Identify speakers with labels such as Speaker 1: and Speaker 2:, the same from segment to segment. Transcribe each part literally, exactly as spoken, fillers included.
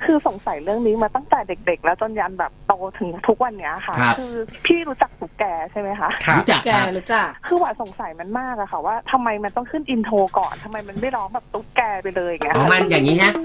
Speaker 1: คือสงสัยเรื่องนี้มาตั้งแต่เด็กๆแล้วจนยันแบบโตถึงทุกวันเนี้ยค่ะคือพี่รู้จักตุ๊กแกใช่ไหมคะ
Speaker 2: รู้จัก
Speaker 3: แกรู้จัก
Speaker 1: คือว่าสงสัยมันมากอะค่ะว่าทำไมมันต้องขึ้นอินโทรก่อนทำไมมันไม่ร้องแบบตุ๊กแกไปเลยอย่างเงี้ย
Speaker 2: มันอย่างนี้นะ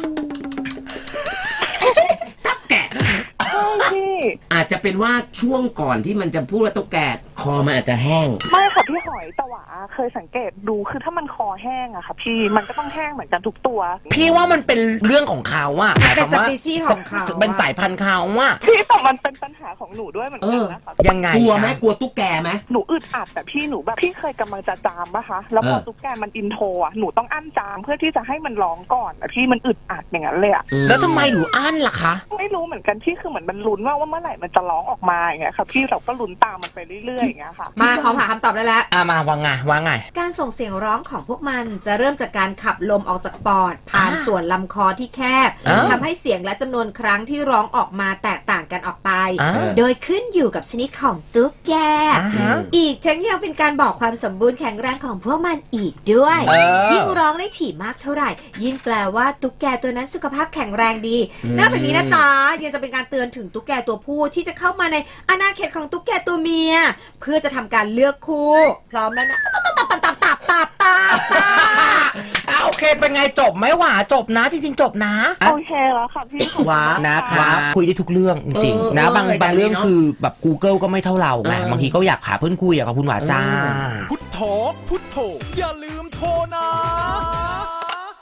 Speaker 2: ตุ๊กแก
Speaker 1: ใช่พี่
Speaker 2: อาจจะเป็นว่าช่วงก่อนที่มันจะพูดว่าตุ๊กแกคอมันอาจจะแห้ง
Speaker 1: ไม่ค่ะพี่หอยแต่ว่าเคยสังเกตดูคือถ้ามันคอแห้งอะค่ะพี่มันก็ต้องแห้งเหมือนกันทุกตัว
Speaker 4: พี่ว่ามันเป็นเรื่องของเขาอะ
Speaker 3: เป็นสปีชีส์ของเขา
Speaker 4: เป็นสายพันธุ์เขาอะ
Speaker 1: พี่แต่มันเป็นปัญหาของหนูด้วยเหมือนกันนะคะ
Speaker 4: ยังไง
Speaker 2: กลัวไหมกลัวตุ๊กแกไหม
Speaker 1: หนูอึดอัดแต่พี่หนูแบบพี่เคยกำลังจะจามปะคะแล้วพอตุ๊กแกมันอินโทรอะหนูต้องอั้นจามเพื่อที่จะให้มันร้องก่อนแต่พี่มันอึดอัดอย่างนั้นเลยอะ
Speaker 4: แล้วทำไมหนูอั้นล่ะคะ
Speaker 1: ไม่รู้เหมือนกันพี่คือเหมือนมันลุ้นว่าว่าเมื่อไหร่มันจะร้องออกมาอย่างเงี้ยค่ะพี่เราก็ลุ้นตามมันไปเรื่อยๆอย่างเงี้ยค่ะ
Speaker 3: มาพร้อมหาคำตอบได้แล้ว
Speaker 4: อ่ะมาว่าไงว่าไง
Speaker 3: การส่งเสียงร้องของพวกมันจะเริ่มจากการขับลมออกจากปอดผ่านส่วนลำคอที่แคบทำให้เสียงและจำนวนครั้งที่ร้องออกมาแตกต่างกันออกไปโดยขึ้นอยู่กับชนิดของตุ๊กแกอีกทั้งยังเป็นการบอกความสมบูรณ์แข็งแรงของพวกมันอีกด้วยยิ่งร้องได้ถี่มากเท่าไหร่ยิ่งแปลว่าตุ๊กแกตัวนั้นสุขภาพแข็งแรงดีนอกจากนี้นะจ๊ะยังจะเป็นการเตือนถึงตุ๊กแกตัวผู้ที่จะเข้ามาในอาณาเขตของตุ๊กแกตัวเมียเพื่อจะทำการเลือกคู่พร้อมแล้วนะตับตับตับตับตับตับตับ
Speaker 4: โอเคเป็นไงจบไหมหว่าจบนะจริงๆจบนะ
Speaker 1: โอเคแล้วค่ะพี่
Speaker 4: ว้านะคะคุยได้ทุกเรื่องจริงๆนะบางบางเรื่องคือแบบ Google ก็ไม่เท่าเราไงบางทีก็อยากหาเพื่อนคุยกับคุณหวาจ้า
Speaker 5: พุทโธพุทโธอย่าลืมโทรนะ